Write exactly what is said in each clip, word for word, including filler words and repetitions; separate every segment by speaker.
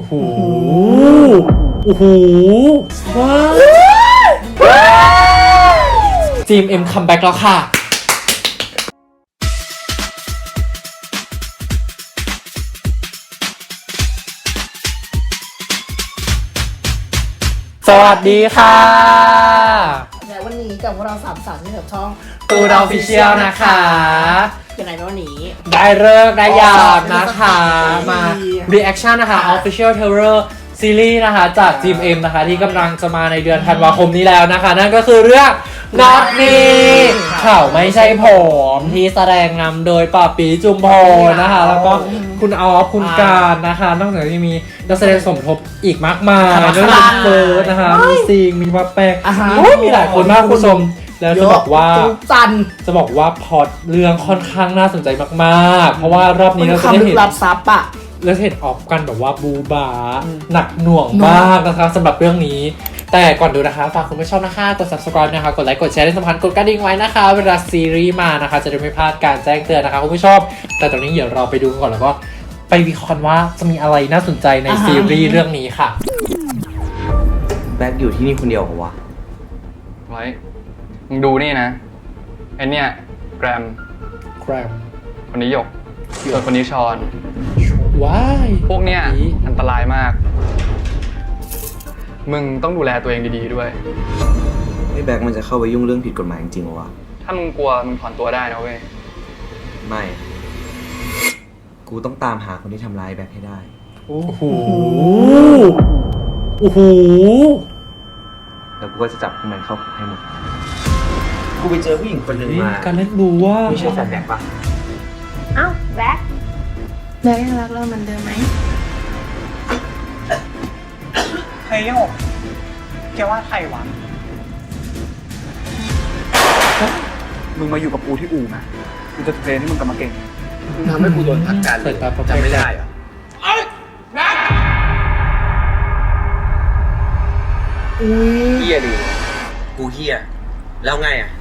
Speaker 1: โหโอ้โหว้าวจีมเอ็มคัมแบ็กแล้วค่ะสวัสดีค่ะ
Speaker 2: และวันนี้กับพวกเราสามสาวที่กับช่อง
Speaker 1: ตูดออฟฟิเชียลนะคะ
Speaker 2: เป็นไงวันนี้
Speaker 1: ได้เลิกได้ยามนะคะมา reaction นะคะ official trailer ซีรีส์นะคะจาก จี เอ็ม นะคะที่กำลังจะมาในเดือนธันวาคมนี้แล้วนะคะนั่นก็คือเรื่อง Not Me เขาไม่ใช่ผมที่แสดงนำโดยป่าปีจุมพลนะคะแล้วก็คุณออฟคุณการนะคะนอกจากนี้มีนักแสดงสมทบอีกมากมายเรื่องเฟิร์สนะคะมีซิงมีวัปแปกมีหลายคนมากคุณผู้ชมแล้วจะบอกว่า
Speaker 2: จัน
Speaker 1: จะบอกว่าพล็อตเรื่องค่อนข้างน่าสนใจมากๆเพราะว่ารอบนี้เราจะได้เห็น
Speaker 2: รับซับอะ
Speaker 1: แล้วเห็นออกกันแบบว่าบูบาหนักหน่วงมากนะคะสำหรับเรื่องนี้แต่ก่อนดูนะคะฝากคุณผู้ชมนะคะกด ซับสไครบ์ นะคะกดไลค์กดแชร์ที่สำคัญกดกระดิ่งไว้นะคะเวลาซีรีส์มานะคะจะได้ไม่พลาดการแจ้งเตือนนะคะคุณผู้ชมแต่ตอนนี้เดี๋ยวเราไปดูกันก่อนแล้วก็ไปวิเคราะห์กันว่าจะมีอะไรน่าสนใจในซีรีส์เรื่องนี้ค่ะ
Speaker 3: แบ็คอยู่ที่นี่คนเดียวเหรอวะ
Speaker 4: ไว้มึงดูนี่นะไอเนี่ยแกรม
Speaker 1: แกรม
Speaker 4: คนนี้หยกส่วนคนนี้ชอน
Speaker 1: ว้าย
Speaker 4: พวกเนี้ยอันตรายมากมึงต้องดูแลตัวเองดีๆด้วย
Speaker 3: ไอ้แบ็คมันจะเข้าไปยุ่งเรื่องผิดกฎหมายจริงๆเหรอวะ
Speaker 4: ถ้ามึงกลัวมึงถอนตัวได้นะเว้ย
Speaker 3: ไม่กูต้องตามหาคนที่ทำร้ายแบ็คให้ได้
Speaker 1: โอ้โหโอ้โห
Speaker 3: แล้วกูก็จะจับพวกมันเข้าคุกให้หมดกูไปเจอผู้หญิงคนหนึ่งมา
Speaker 1: การเล่นรู้ว่า
Speaker 3: ไม่ใช่แฟนแบ็คปะ
Speaker 5: เอ้าแบ็คแบ็คยังรักเราเหมือนเดิมไหม
Speaker 6: เฮ้ยโยกแกว่าใครวะมึงมาอยู่กับกูที่อู่นะกูจะเทรนให้มึงกลับมาเก่ง
Speaker 3: มึงทำให้กูโดนพักการเลยจำไม่ได้เหรอเอ้ยแบ็ค
Speaker 2: อุ้ย
Speaker 3: เฮียดิกูเฮียแล้วไงอ่ะ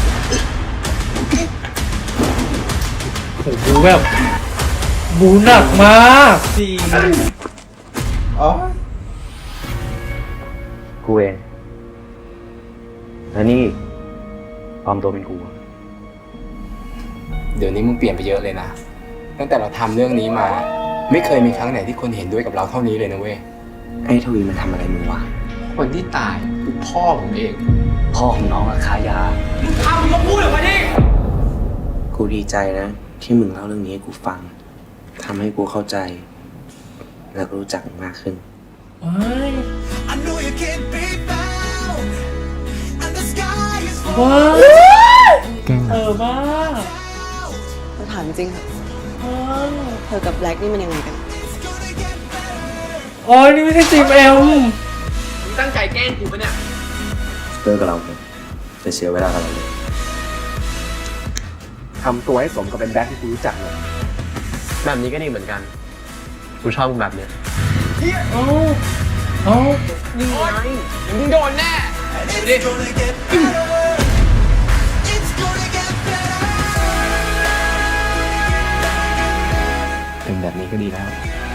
Speaker 1: โอ้โหแบบบูหนักมากจริงอ๋อ
Speaker 3: กูเองแล้วนี่ปลอมตัวเป็นกู
Speaker 7: เดี๋ยวนี้มึงเปลี่ยนไปเยอะเลยนะตั้งแต่เราทำเรื่องนี้มาไม่เคยมีครั้งไหนที่คนเห็นด้วยกับเราเท่านี้เลยนะเว้ย
Speaker 3: ไอ้ทวีมันทำอะไรมึงวะ
Speaker 7: คนที่ตายคือพ่อผมเอง
Speaker 3: พ่อของน้องอะคายา
Speaker 7: มึงทำมึงก็พูดออกมาดิ
Speaker 3: กูดีใจนะที่มึงเล่าเรื่องนี้ให้กูฟังทำให้กูเข้าใจและรู้จักมากขึ้น
Speaker 1: ว้าวเออมาก
Speaker 2: เธอถามจริงค่ะเธอกับแบล็กนี่มันยังไงกัน
Speaker 1: โอ้ยนี่ไม่ใช่จีมเอ็ม
Speaker 7: มึงตั้งใจแกล้งกูปะเนี่ย
Speaker 3: เลิกกับเราเถอะจะเสียเวลากับเราเลย
Speaker 6: ทำตัวให้สมกับเป็นแบ็คที่กูรู้จักเลย
Speaker 7: แบบนี้ก็ดีเหมือนกันกูชอบมึงแบบเนี้ย
Speaker 1: โอ้โอ้
Speaker 7: นี่ไงมึงโดนแน่ดิ
Speaker 3: เป็นแบบนี้ก็ดีแล้ว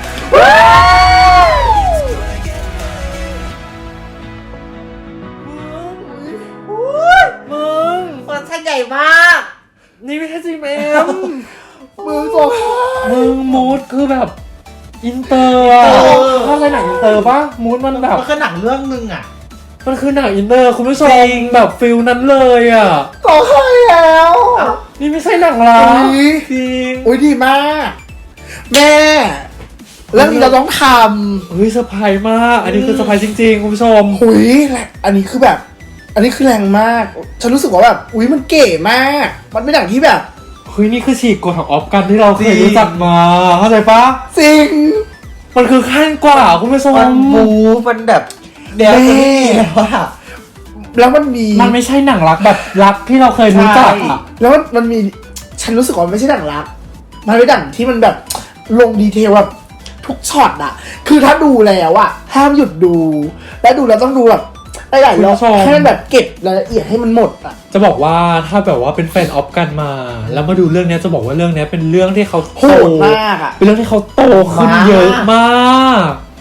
Speaker 1: มึง
Speaker 2: คอนเสิร์ตใหญ่มาก
Speaker 1: นี่ไม่ใช่จีเอ็ม
Speaker 2: มึงสง
Speaker 1: มึงมูดคือแบบอินเตอร์ถ้าใช่หนังอินเตอร์ปะมูดมันแบบ
Speaker 2: มันคือหนังเรื่องนึงอ่ะ
Speaker 1: มันคือหนังอินเตอร์คุณผู้ชมแบบฟิลนั้นเลยอ่ะ
Speaker 2: ก็ใช่แล้ว
Speaker 1: นี่ไม่ใช่หนังร้ายจริง
Speaker 2: อุ้ยดีมากแม่เรื่องนี้เราต้องท
Speaker 1: ำเฮ้ยเซอร์ไพรส์มากอันนี้คือเซอร์ไพรส์จริงๆคุณผู้ชม
Speaker 2: หุยอันนี้คือแบบอันนี้คือแรงมากฉันรู้สึกว่าแบบอุ้ยมันเก๋มากมันเป็นหนังที่แบบ
Speaker 1: เฮ้ยนี่คือฉีกกฎของออฟกันที่เราเคยรู้จักมาเข้าใจปะ
Speaker 2: จริง
Speaker 1: มันคือขั้นกว่าคุณผู้ชม
Speaker 2: มันบูมันแบบเดี๋ยวนี้แล้วอะแล้วมันมี
Speaker 1: มันไม่ใช่หนังรักแบบรักที่เราเคยรู้จักอะ
Speaker 2: แล้วมันมีฉันรู้สึกว่าไม่ใช่หนังรักมันเป็นหนังที่มันแบบลงดีเทลแบบทุกช็อตอะคือถ้าดูแล้วอะห้ามหยุดดูและดูแล้วต้องดูแบบหลายๆรอบให้มันแบบเก็บรายละเอียดให้มันหมดอะ
Speaker 1: จะบอกว่าถ้าแบบว่าเป็นแฟนออฟกันมาแล้วมาดูเรื่องนี้จะบอกว่าเรื่องนี้เป็นเรื่องที่เขา
Speaker 2: โหดมากอะ
Speaker 1: เป็นเรื่องที่เขาโตขึ้นเยอะมาก
Speaker 2: โ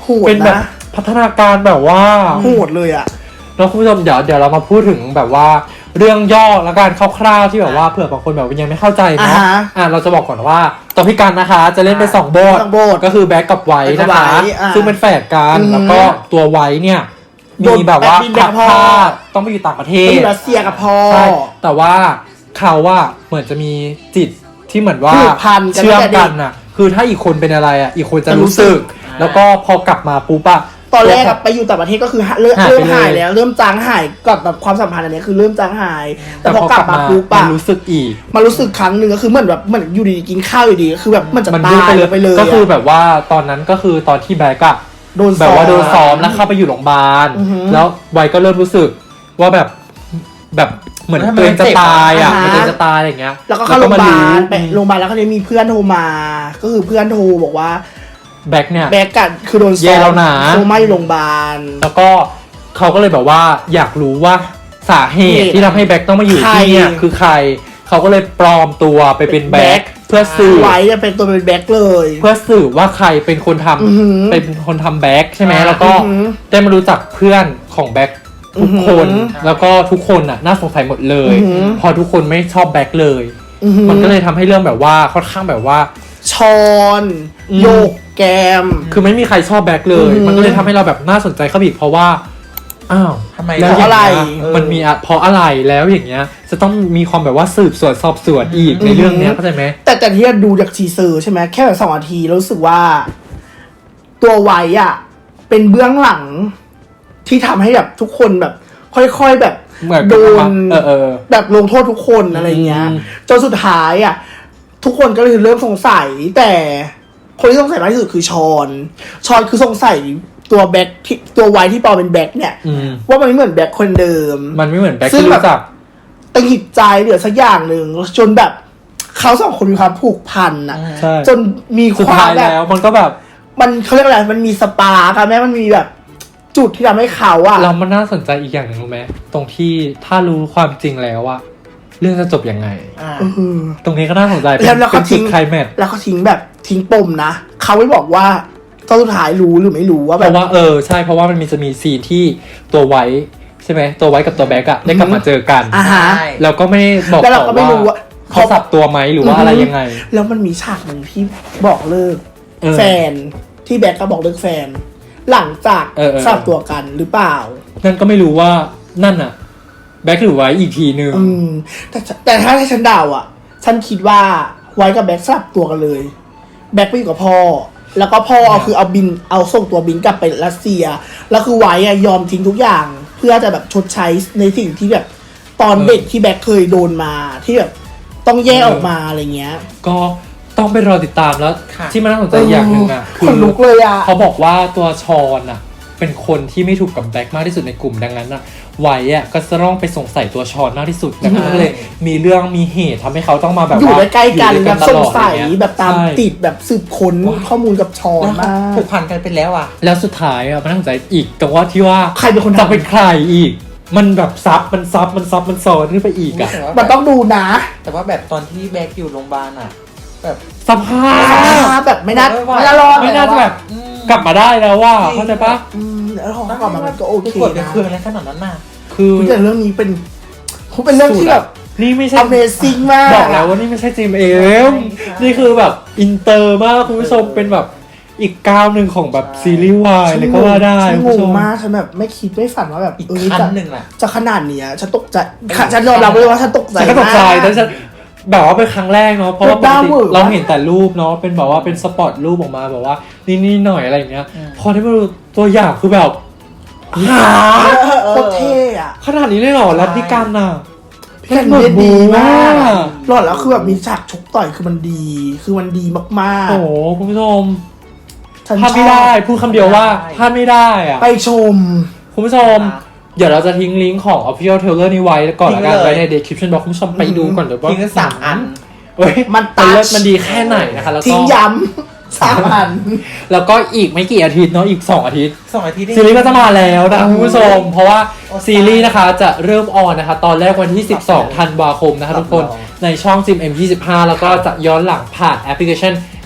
Speaker 2: โหด
Speaker 1: เป็นแบบ
Speaker 2: นะ
Speaker 1: พัฒนาการแบบว่า
Speaker 2: โหดเลยอ่ะ
Speaker 1: แล้วคุณผู้ชมเดี๋ยวเดี๋ยวเรามาพูดถึงแบบว่าเรื่องย่อและการคร่าวๆที่แบบว่าเผื่อบางคนแบบยังไม่เข้าใจเนาะ
Speaker 2: อ่าฮะ
Speaker 1: อ่ะเราจะบอกก่อนว่าตัวพี่กันนะคะ จะเล่นเป็นสองบท
Speaker 2: สองบท
Speaker 1: ก็คือแบ็กกับไวท์
Speaker 2: แบ็คกั
Speaker 1: นะ
Speaker 2: บ
Speaker 1: คะ
Speaker 2: ไวท์อ่า
Speaker 1: ซึ่งเป็นแฝดกัน
Speaker 2: อือฮึ
Speaker 1: แล้วก็ตัวไวท์เนี่ย
Speaker 2: โดน
Speaker 1: มีแบบว่า
Speaker 2: แปะบินแบ
Speaker 1: พั
Speaker 2: ก
Speaker 1: ด
Speaker 2: พ่อ
Speaker 1: พาดต้องไปอยู่ต่างประเท
Speaker 2: ไปอ
Speaker 1: ศ
Speaker 2: ยู่รัสเซียกับพ่อ
Speaker 1: ใช่แต่ว่าเขาว่าเหมือนจะมีจิตที่เหมือนว่า
Speaker 2: ผูกพันกัน
Speaker 1: เชื่อม
Speaker 2: ตั้งแต่เด็
Speaker 1: กั
Speaker 2: ก
Speaker 1: นน่ะ คือถ้าอีกคนเป็นอะไรอ่ะ อีกคนจะ
Speaker 2: จะรู้
Speaker 1: รู้สึก
Speaker 2: สึก
Speaker 1: แล้วก็พอกลับมาปุ๊บอะ
Speaker 2: ตอนแรกอะไปอยู่ต่างประเทศก็คือเริ่ม
Speaker 1: หายไป
Speaker 2: เริ่มหาย
Speaker 1: เลย
Speaker 2: แล้ว เริ่มจางหายกับแบบความสัมพันธ์อันเนี้ยคือเริ่มจางหาย แต่พอกลับมาปุ๊บ
Speaker 1: มั
Speaker 2: อะ
Speaker 1: นรู้สึกอีก
Speaker 2: มารู้สึกครั้งหนึ่งก็คือเหมือนแบบเหมือนอยู่ดีๆกินข้าวอยู่ดีก็คือแบบมันจะ
Speaker 1: มัน
Speaker 2: ตา
Speaker 1: ยุ่ง
Speaker 2: ย
Speaker 1: ไปเลย
Speaker 2: ไปเลย
Speaker 1: ก็คือ
Speaker 2: อะ
Speaker 1: แบบว่าตอนนั้นก็คือตอนที่แบ็กอะ
Speaker 2: โดน
Speaker 1: แบบว่าโดนซ้อม
Speaker 2: ม
Speaker 1: แล้วเข้าไปอยู่โรงพยาบาล
Speaker 2: อือฮึ
Speaker 1: แล้วไวก็เริ่มรู้สึกว่าแบบแบบเหมือนตัวเองจะตายอะ
Speaker 2: อ่าฮะ
Speaker 1: ตัวเองจะตายอะไรอย่างเงี้ย
Speaker 2: แล้วก็เข้าโรงพยาบาลไป
Speaker 1: อืม
Speaker 2: โรงพยาบาลแล้วก็เลยมีเพื่อนโทรมา ก็คือเพื่อนโทรบอกว่า
Speaker 1: แบ็กเนี่ย
Speaker 2: แบกกันคือโดน
Speaker 1: แย่
Speaker 2: ซ้อ
Speaker 1: แล้ว
Speaker 2: ม
Speaker 1: นะ
Speaker 2: โคม่าอยู่โรงพยาบาล
Speaker 1: แล้วก็เขาก็เลยแบบว่าอยากรู้ว่าสาเหตุ
Speaker 2: เหตุ
Speaker 1: ที่ทำให้แบ็กต้องมาอยู่ที่เนี่ย
Speaker 2: ใคร
Speaker 1: คือใคร เขาก็เลยปลอมตัวไปเป็นแบ็กเพื่อสื่อ
Speaker 2: ไว้จะเป็นตัวเป็นแบกเลย
Speaker 1: เพื่อสื่อว่าใครเป็นคนทำ
Speaker 2: อือหือ
Speaker 1: เป็นคนทำแบ็กใช่ไหม
Speaker 2: อ่า
Speaker 1: แล้วก็
Speaker 2: อือหือ
Speaker 1: ได้มารู้จักเพื่อนของแบ็กทุกคน
Speaker 2: อือหือ
Speaker 1: แล้วก็ทุกคนน่ะน่าสงสัยหมดเลย
Speaker 2: อือหือ
Speaker 1: พอทุกคนไม่ชอบแบ็กเลย
Speaker 2: อือหือ
Speaker 1: มันก็เลยทำให้เรื่องแบบว่าค่อนข้างแบบว่า
Speaker 2: ชอน
Speaker 1: อืม
Speaker 2: โยกแกม
Speaker 1: คือไม่มีใครชอบแบ็กเลย
Speaker 2: อือหือ
Speaker 1: มันก็เลยทำให้เราแบบน่าสนใจเข้าไปอีกเพราะว่าอ้าว
Speaker 8: ทำไม
Speaker 1: แล้ว
Speaker 2: เพราะอะไร
Speaker 1: ย่างเงี้ยมันมีอะเพราะอะไรแล้วอย่างเงี้ย จะต้องมีความแบบว่าสืบสวนสอบสวนอีกในเรื่องเนี้ยเข้าใจไหม
Speaker 2: แต่แต่ที่ดูจากทีเซอร์ใช่ไหมแค่แบบสองนาทีแล้วรู้สึกว่า ตัวไว้อะเป็นเบื้องหลัง ที่ทำให้แบบทุกคนแบบ ค่อยๆแบบ
Speaker 1: เหมือน
Speaker 2: โดน
Speaker 1: เออเออ
Speaker 2: แบบลงโทษทุกคนอะไรเงี้ย
Speaker 1: อืม
Speaker 2: จนสุดท้ายอะทุกคนก็เลยเริ่มสงสัย แต่คนที่สงสัยมากที่สุดคือชอนชอนคือสงสัยตัวแบ็คที่ตัวไว้ที่ปลอมเป็นแบ็คเนี่ย
Speaker 1: อืม
Speaker 2: ว่ามันไม่เหมือนแบ็คคนเดิม
Speaker 1: มันไม่เหมือนแบ็ค
Speaker 2: ซึ่ง
Speaker 1: ที่
Speaker 2: แบบ
Speaker 1: รู้จัก
Speaker 2: ตังหิดใจเหลือสักอย่างหนึ่งจนแบบเขาสองคนมีความผูกพันอะ
Speaker 1: ใช่
Speaker 2: จนมี
Speaker 1: สุด
Speaker 2: ควา
Speaker 1: ท้าม ย
Speaker 2: แบบ
Speaker 1: แล้วมันก็แบบ
Speaker 2: มันเขาเรียกอะไรมันมีสปาร์กอะแม่มันมีแบบจุดที่ทำให้เขาอะ
Speaker 1: เรามันน่าสนใจอีกอย่างหนึ่งรู้ไหมตรงที่ถ้ารู้ความจริงแล้วอะเรื่องจะจบยังไง
Speaker 2: เออ
Speaker 1: ตรงนี้ก็น่าสนใจเป็น
Speaker 2: แล้วแล้ว
Speaker 1: เป็
Speaker 2: เขา
Speaker 1: นจุ
Speaker 2: ทิ้
Speaker 1: ด
Speaker 2: ง
Speaker 1: ไคลแม็กซ์
Speaker 2: แล้วเขาทิ้งแบบทิ้งปมนะเขาไม่บอกว่าตอนสุดท้ายรู้หรือไม่รู้ว่า
Speaker 1: เพ
Speaker 2: แบบ
Speaker 1: ราะว่าเออใช่เพราะว่ามันมีจะมีซีนที่ตัวไว้ใช่ไหมตัวไว้กับตัวแบ็กอะได้กลับมาเจอกัน
Speaker 2: อ่าฮะ
Speaker 1: แล้วก็ไม่บอก
Speaker 2: แล้วเรา
Speaker 1: ต่
Speaker 2: ก็
Speaker 1: อ
Speaker 2: ไม่รู้
Speaker 1: ว่า
Speaker 2: ว่า
Speaker 1: เขาสับตัวไหมหรือว่าอะไรยังไง
Speaker 2: แล้วมันมีฉากหนึ่งที่บอกเลิก
Speaker 1: เออ
Speaker 2: แฟนที่แบ็คก็บอกเลิกแฟน หลังจาก
Speaker 1: เออเออ
Speaker 2: สลับตัวกันหรือเปล่า
Speaker 1: นั่นก็ไม่รู้ว่านั่นอะแบ็กหรือไว้อีกทีนึง
Speaker 2: อืมแต่แต่ถ้าให้ฉันเดาอ่ะ ฉันคิดว่าไว้กับแบ็คสลับตัวกันเลย แบ็คไปอยู่กับพ่อ แล้วก็พ่อเอาคือเอาบินเอาส่งตัวบินกลับไปรัสเซีย แล้วคือไว้อะยอมทิ้งทุกอย่าง เพื่อจะแบบชดใช้ในสิ่งที่แบบ ตอนเด็กที่แบ็คเคยโดนมาที่แบบต้องแยกออกมาอะไรเงี้ย
Speaker 1: ก็ต้องไปรอติดตามแล้ว
Speaker 8: ค่ะ
Speaker 1: ที่มันน่าสนใจอย่างหนึ่งอะ
Speaker 2: ขนลุกเลยอะ
Speaker 1: เขาบอกว่าตัวชอนอะเป็นคนที่ไม่ถูกกับแบ็คมากที่สุดในกลุ่มดังนั้นอะไว้อะก็จะต้องไปสงสัยตัวชอนมากที่สุดดังนั้นก็เลยมีเรื่องมีเหตุทำให้เขาต้องมาแบบ
Speaker 2: อยู่
Speaker 1: ว่า
Speaker 2: ใกล้ๆกัน
Speaker 1: อยู่
Speaker 2: แบ
Speaker 1: ด้วย
Speaker 2: บสง
Speaker 1: ตลอด
Speaker 2: สัย
Speaker 1: อะไรเงี้
Speaker 2: แบบตาม
Speaker 1: ใช่
Speaker 2: ติดแบบสืบค้นข้อมูลกับชอน
Speaker 8: แล้วเขา
Speaker 2: มาก
Speaker 8: ผูกพันกันไปแล้วอ่ะ
Speaker 1: แล้วสุดท้ายอะมันน่าสนใจอีกตรงว่าที่ว่า
Speaker 2: ใครเป็นคนทำ
Speaker 1: จะเป็นใครอีก มันแบบซับมันซับมันซับมันซ้อนขึ้นไปอีกอะ
Speaker 2: มันต้องดูนะ
Speaker 8: แต่ว่าแบบตอนที่แบ็คอยู่โรงพยาบาลอ่ะ แบบ
Speaker 1: สภาพ
Speaker 2: แบบไม่น่า
Speaker 8: ไม่
Speaker 2: ไม่
Speaker 8: ไหว
Speaker 2: น่ารอด
Speaker 1: ไม่น่าจะแบบ
Speaker 8: อืม
Speaker 1: กลับมาได้แล้วว่าเข้าใจปะ
Speaker 2: อืมแล้วของกลับมามันก็โอเค
Speaker 8: กดเป็น
Speaker 2: นะ
Speaker 8: เครื่องอะไรขนาดนั้นน่ะ
Speaker 1: คือ
Speaker 2: แต่เรื่องนี้เป็นเป็นเรื่องที่แบบ
Speaker 1: นี่ไม่ใช่
Speaker 2: Amazing มาก
Speaker 1: บอกแล้วว่านี่ไม่ใช่จีมเอ็มนี่คือแบบอินเตอร์มากคุณผู้ชมเป็นแบบอีกก้าวหนึ่งของแบบซีรีส์วายเลยก็ว่าได้
Speaker 2: ฉัน
Speaker 1: คุณ
Speaker 2: ง
Speaker 1: ผู้ช
Speaker 2: ง
Speaker 1: ม
Speaker 2: มากฉันแบบไม่คิดไม่ฝันว่าแบบ
Speaker 8: อีก
Speaker 2: เออ
Speaker 8: ขั้
Speaker 2: จะ
Speaker 8: นหนึ่งอ่ะ
Speaker 2: จะขนาดเนี้ยฉันตกใจค่ะฉันยอมรับเลยว่าฉันตกใจ
Speaker 1: ฉันก็ตกใจ
Speaker 2: มา
Speaker 1: แต่ฉันแบบว่าเป็นครั้งแรกเนาะเพราะว่าปก
Speaker 2: บ้า
Speaker 1: ติ
Speaker 2: เวอร์
Speaker 1: เราเห็นแต่รูปเนาะเป็นแบบว่าเป็นสปอตรูปออกมาแบบว่านี่นี่หน่อยอะไรอย่างเงี้ย
Speaker 8: อืม
Speaker 1: พอได้มาดูตัวอย่างคือแบบหา
Speaker 2: โคตรเท่อะ
Speaker 1: ขนาดนี้เลยเหรอแล้วพี่กันน่ะ
Speaker 2: พี่แคนเล่นดีมาก
Speaker 1: อะ
Speaker 2: หลอดแล้วคือแบบมีฉากชกต่อยคือมันดี คือมันดีมากๆ
Speaker 1: โอ้โหคุณผู้ชม
Speaker 2: ฉัน
Speaker 1: พลาด
Speaker 2: ช
Speaker 1: ไม่
Speaker 2: อบ
Speaker 1: ได้พูดคำเดียวว่าพลาดไม่ได้อะ
Speaker 2: ไปชม
Speaker 1: คุณผู้ชม เดี๋ยวเราจะทิ้งลิงก์ของ official trailer นี้ไว้ก่อนละกัน
Speaker 8: ทิ้งเลย
Speaker 1: ไว้ใน description box คุณผู้ชมไปดูก่อนเดี๋ยวว่า
Speaker 8: ทิ้งกันสามอัน
Speaker 1: เฮ้ย
Speaker 2: มัน
Speaker 1: มันเลิศ
Speaker 2: touch
Speaker 1: มันดีแค่ไหนนะคะแล้ว
Speaker 2: ทิ้
Speaker 1: ก็
Speaker 2: งย้ำสามอัน
Speaker 1: แล้วก็อีกไม่กี่อาทิตย์เนาะอีกสองอาทิตย์
Speaker 8: สองอาทิตย์
Speaker 1: ซีรีส์ก็จะมาแล้วนะคะคุณผู้ชม เพราะว่า
Speaker 8: โอ้
Speaker 1: ซีรีส์นะคะจะเริ่มออนนะคะ ตอนแรกวันที่ สิบสอง ธันวาคมนะคะทุกคนในช่อง จี เอ็ม เอ็ม ยี่สิบห้า แล้วก็จะย้อนหลังผ่านแอปพลิเคชัน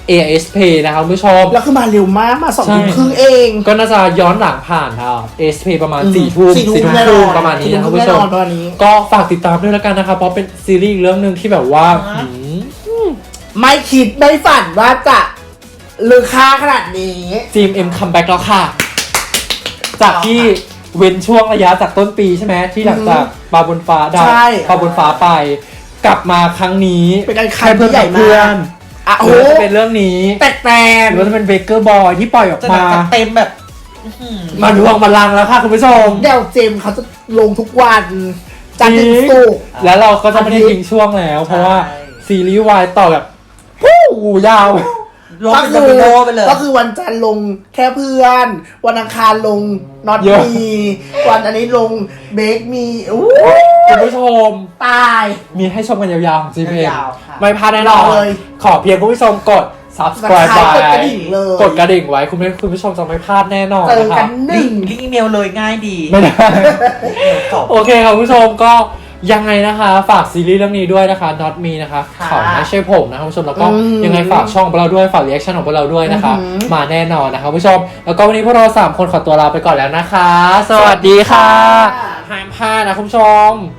Speaker 1: เอ เอส พี นะคะคุณผู้ชม
Speaker 2: แล้วคือมาเร็วมากมาสอง
Speaker 1: ใช่
Speaker 2: ทุ่มครึ่งเอง
Speaker 1: ก็น่าจะย้อนหลังผ่านค่ะ เอ เอส พี ประมาณ
Speaker 2: อืม
Speaker 1: สี่ทุ่ม
Speaker 2: สี่ทุ่ม
Speaker 1: สี่ทุ่ม
Speaker 2: แน่
Speaker 1: คน
Speaker 2: อน
Speaker 1: รึ่งประมาณนี้นะคุณผู้ชม
Speaker 2: แน่นอนประมาณนี้
Speaker 1: ก็ฝากติดตามด้วยแล้วกันนะคะเพราะเป็นซีรีส์อีกเรื่องหนึ่งที่แบบว่า
Speaker 8: อ่า
Speaker 1: หืม
Speaker 2: ไม่คิดไม่ฝันว่าจะลือค่าขนาดนี้
Speaker 1: จีมเอ็มคัมแบ็กแล้วค่ะ จากที่เว้นช่วงระยะจากต้นปีใช่ไหมที่หลังจากปลาบนฟ้าดาว
Speaker 2: ใช่
Speaker 1: ปลาบนฟ้าไป กลับมาครั้งนี้
Speaker 2: เป็นการ
Speaker 1: แค่
Speaker 2: คัน
Speaker 1: เพื่อน
Speaker 2: ที่ใหญ่
Speaker 1: กับเพื่อน
Speaker 2: มาก อ่ะ
Speaker 1: ห
Speaker 2: โอ้
Speaker 1: รือ
Speaker 2: โห
Speaker 1: ว่าจะเป็นเรื่องนี้
Speaker 2: แตก
Speaker 1: หรือว่าจะเป็นเบเกอร์บอยที่ปล่อยออก
Speaker 8: จะ
Speaker 1: มา
Speaker 8: แบบเต็มแบบอื้อหือ
Speaker 1: มาดวงมาลังแล้วค่ะคุณผู้ชม
Speaker 2: ๆเดี๋ยวเจมส์เขาจะลงทุกวันจันทร์ถึงศุกร์
Speaker 1: แล้วเราก็จะไม่ได้ทิ้งช่วงแล้ว เพราะว่าซีรีส์วายต่อแบบฮู้ยาว
Speaker 8: ลง
Speaker 2: ก็
Speaker 8: เป็น
Speaker 2: คื
Speaker 8: โด
Speaker 2: อ
Speaker 8: มิโนไปเลย
Speaker 2: ก็คือวันจันทร์ลงแค่เพื่อน วันอังคารลงน็อต
Speaker 1: เยอะ
Speaker 2: มีวันอันนี้ลงเบคมีอู้
Speaker 1: คุณผู้ชม
Speaker 2: ตาย
Speaker 1: มีให้ชมกันยาวๆของจีเพ
Speaker 8: ยาวๆค่ะ
Speaker 1: ไม่พลาดแน่นอ
Speaker 2: ร
Speaker 1: น
Speaker 2: อเลย
Speaker 1: ขอเพียงคุณผู้ชมกด subscribe
Speaker 2: กด
Speaker 1: ไว้
Speaker 2: กระดิ่งเลย
Speaker 1: กดกระดิ่งไว้คุณผู้คุณผู้ชมจะไม่พลาดแน่นอน
Speaker 2: เจอ
Speaker 1: นะค
Speaker 2: กั
Speaker 1: รั
Speaker 2: น
Speaker 1: บ
Speaker 2: หนึ่ง
Speaker 8: ลิงก์อีเมลเลยง่ายดี
Speaker 1: ไม่ได้
Speaker 8: จบ
Speaker 1: โอเคครับคุณผู้ชมก็ยังไงนะคะ ฝากซีรีส์เรื่องนี้ด้วยนะคะ Not Me นะคะ
Speaker 8: ค่ะ
Speaker 1: เขาไม่ใช่ผมนะคะคุณผู้ชมแล้วก็
Speaker 2: อืม
Speaker 1: ยังไงฝากช่องของเราด้วยฝากรีแอคชั่นของพวกเราด้วยนะคะ
Speaker 2: อือหือ
Speaker 1: มาแน่นอนนะคะคุณผู้ชม แล้วก็วันนี้พวกเราสามคนขอตัวลาไปก่อนแล้วนะคะ สวัสดีค่ะห้ามพลาดนะคุณผู้ชม